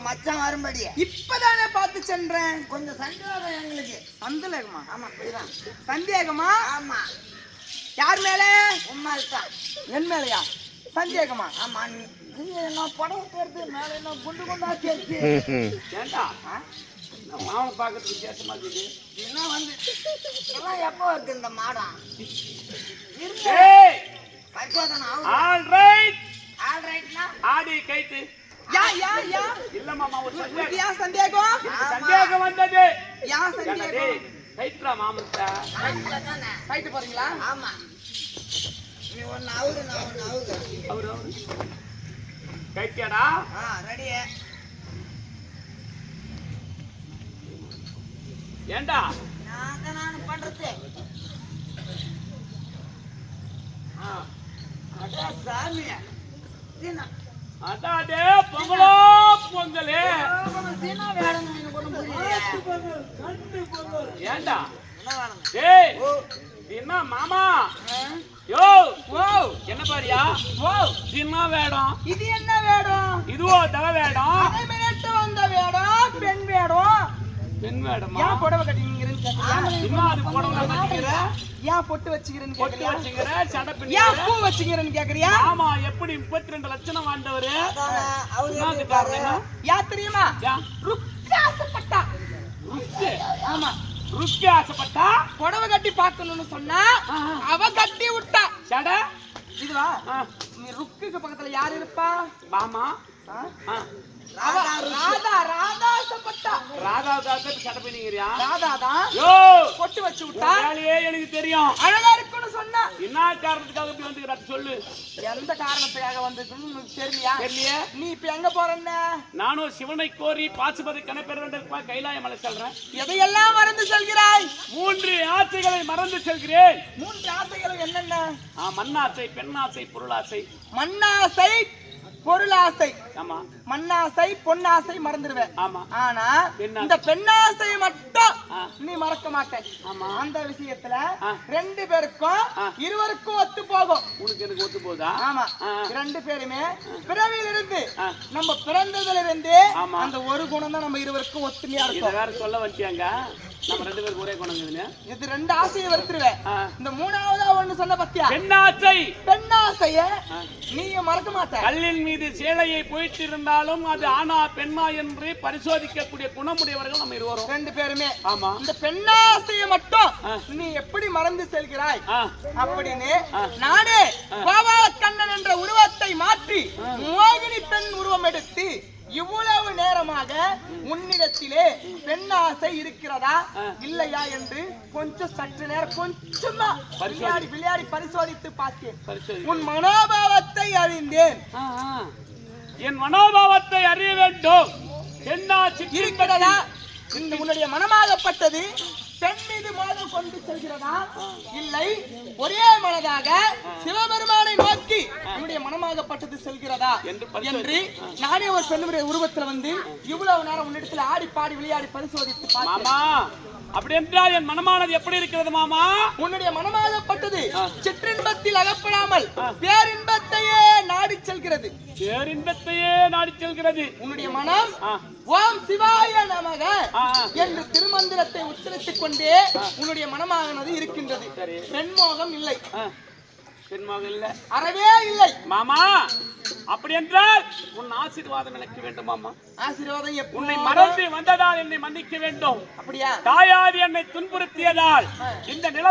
மச்சான் வரும்படி இப்பதானே பார்த்து சென்றேன். கொஞ்சம் சந்தேகம் எங்களுக்கு. சந்தேகமா? ஆமா புரியுதான். சந்தேகமா? ஆமா. யார் மேல? உம்மால் தான். என் மேலையா சந்தேகமா? ஆமா. நீ என்ன படம் தேர்த்து மேல என்ன குண்டு குண்டா தேர்த்து ஏண்டா மாவனை பார்க்கறதுக்கு வித்தியாசமா இருக்குது. என்ன வந்து இதெல்லாம் எப்போ இருக்கு இந்த மாடம்? ஏய் பரிசோதனை ஆல் ரைட் ஆல்ரைட்னா ஆடி கைத்து யா யா யா இல்ல மாமா ஒரு சந்தேகம். யா சந்தேகம்? சந்தேகம் வந்தது. யா ஏண்டா சந்தேகம்? டேய் கைத்துடா மாமன்டா. ரைட்ல தானே. ஃபைட் போறீங்களா? ஆமா. நீ ஒன்னு அவுரு நான் ஒன்னு அவுரு. அவரு கைத்தியாடா. ரெடி. ஏண்டா நான் பண்றது. அடா சாமி. தினா அதாடே பொங்கலோ பொங்கலே. தினா வேணும் நீங்க கொண்டு புரியல. ஏண்டா என்ன வேணும்? டேய் தின்னா மாமா யோ ஓ என்ன பாரியா ஓ தின்னா வேடம். இது என்ன வேடம்? இதுவோ தவ வேடம். அதை மிரட்ட வந்த வேடம் பெண் வேடம். பெண் வேடமா? ஏன் புடவை கட்டிங்கிறேன்னு கேக்குறியா? இன்னும் அது புடவை கட்டிக்கிற ஏன் பொட்டு வச்சுக்கிறேன்னு பொட்டு கேக்குறியா? வச்சுக்கிற சடை ஏன் பின்னிக்கிற. பூ வச்சுக்கிறேன்னு கேக்குறியா? ஆமா எப்படி 32 லட்சம் வாழ்ந்தவரு அவரு என்னது காரணம் என்ன? யா தெரியுமா? யா ருக்காசப்பட்டா. ருக்கு ஆமா ருக்கு ஆசைப்பட்டா புடவை கட்டி பார்க்கணும்னு சொன்னா அவ கட்டி விட்டா. சடை இதுவா நீ ருக்குக்கு பக்கத்துல யாரு இருப்பா? மாமா ஆ? அவ ராதாசப்பட்டா. ராதாவுக்காக சடை பின்னிக்கிறியா? ராதாதான் யோ பொட்டு வச்சு விட்டா. உன் வேலையே எனக்கு தெரியும். அழகா இருக்குன்னு சொன்னா என்ன காரணத்துக்காக இப்படி வந்துக்கிறாரு சொல்லு. எந்த காரணத்துக்காக வந்திருக்குன்னு உனக்கு தெரியலையா? தெரியலையே. நீ இப்ப எங்க போறன்னு? நானும் சிவனை கோரி பாசுபதி கணப்பெற வேண்டும் கைலாய மலை செல்றேன். எதையெல்லாம் மறந்து செல்கிறாய்? 3 ஆசைகளை மறந்து செல்கிறேன். 3 ஆசைகள் என்னென்ன? மண்ணாசை, பெண்ணாசை, பொருளாசை. மண்ணாசை, பொருளாசை. ஆமா மண்ணாசை பொன்னாசை மறந்துடுவேன். ஆமா ஆனா பெண்ணாசை. இந்த பெண்ணாசை மட்டும் ஆ. நீ மறக்க மாட்டே. ஆமா. அந்த விஷயத்துல ஆ. 2 பேருக்கும் இருவருக்கும் ஒத்து போகும். உனக்கு எனக்கு ஒத்து போதா? ஆமா ஆ. 2 பேருமே பிறவியில இருந்து ஆ. நம்ம பிறந்ததுல இருந்து ஆமா. அந்த ஒரு குணம் தான் நம்ம இருவருக்கும் ஒத்துமையா இத இருக்கும். வேற சொல்ல வச்சியாங்க. நம்ம 2 பேருக்கு ஒரே குணங்குதுன்னு. இது 2 ஆசையை வருத்துருவேன். ஆ. இந்த 3ஆவதா ஒண்ணு சொன்ன பத்தியா? பெண்ணாசை. பெண்ணாசைய நீயும் மறக்க மாட்ட. கல்லின் மீது சேலையை போயிட்டு இருந்தாலும் அது ஆனா பெண்ணா என்று பரிசோதிக்கக்கூடிய குணமுடையவர்கள் நம்ம இருவரும். 2 பேருமே. ஆமா. இந்த பெண்ணாசையை மட்டும் ஆ. நீ எப்படி மறந்து செல்கிறாய் ஆ. அப்படின்னு நானே கோபாலக்கண்ணன் என்ற உருவத்தை மாற்றி மோகினி பெண் உருவம் எடுத்து இவ்வளவு நேரமாக உன்னிடத்திலே பெண்ணாசை இருக்கிறதா இல்லையா என்று கொஞ்சம் சற்று நேரம் கொஞ்சமா விளையாடி பரிசோதித்து பார்த்தேன். உன் மனோபாவத்தை அறிந்தேன். என் மனோபாவத்தை அறிய வேண்டும். பெண்ணாசி இருக்கிறதா? இந்த உன்னுடைய மனமாகப்பட்டது பெண் மீது மோதல் கொண்டு செல்கிறதா இல்லை ஒரே மனதாக சிவபெருமானை நோக்கி உன்னுடைய மனமாகப்பட்டது செல்கிறதா என்று நானே ஒரு பெண்ணுடைய உருவத்துல வந்து இவ்வளவு நேரம் உன்னிடத்துல ஆடி பாடி விளையாடி பரிசோதித்து பார்த்தேன். மாமா அப்படி என்றால் என் மனமானது எப்படி இருக்கிறது மாமா? உன்னுடைய மனமாகப்பட்டது சிற்றின்பத்தில் அகப்படாமல் பேரின்பத்தையே நாடி செல்கிறது. பேரின்பத்தையே நாடி செல்கிறது. உன்னுடைய மனம் ஓம் சிவாய நமக என்று திருமந்திரத்தை உச்சரித்துக் கொண்டே உன்னுடைய மனமானது இருக்கின்றது. பெண்மோகம் இல்லை. பெண்மோகம் இல்லை, அறவே இல்லை மாமா. அப்படி என்றால் உன் ஆசீர்வாதம் எனக்கு வேண்டும் மாமா. ஆசீர்வாதம் உன்னை மறந்து வந்ததால் என்னை மன்னிக்க வேண்டும். அப்படியா? தாயார் என்னை துன்புறுத்தியதால் இந்த நில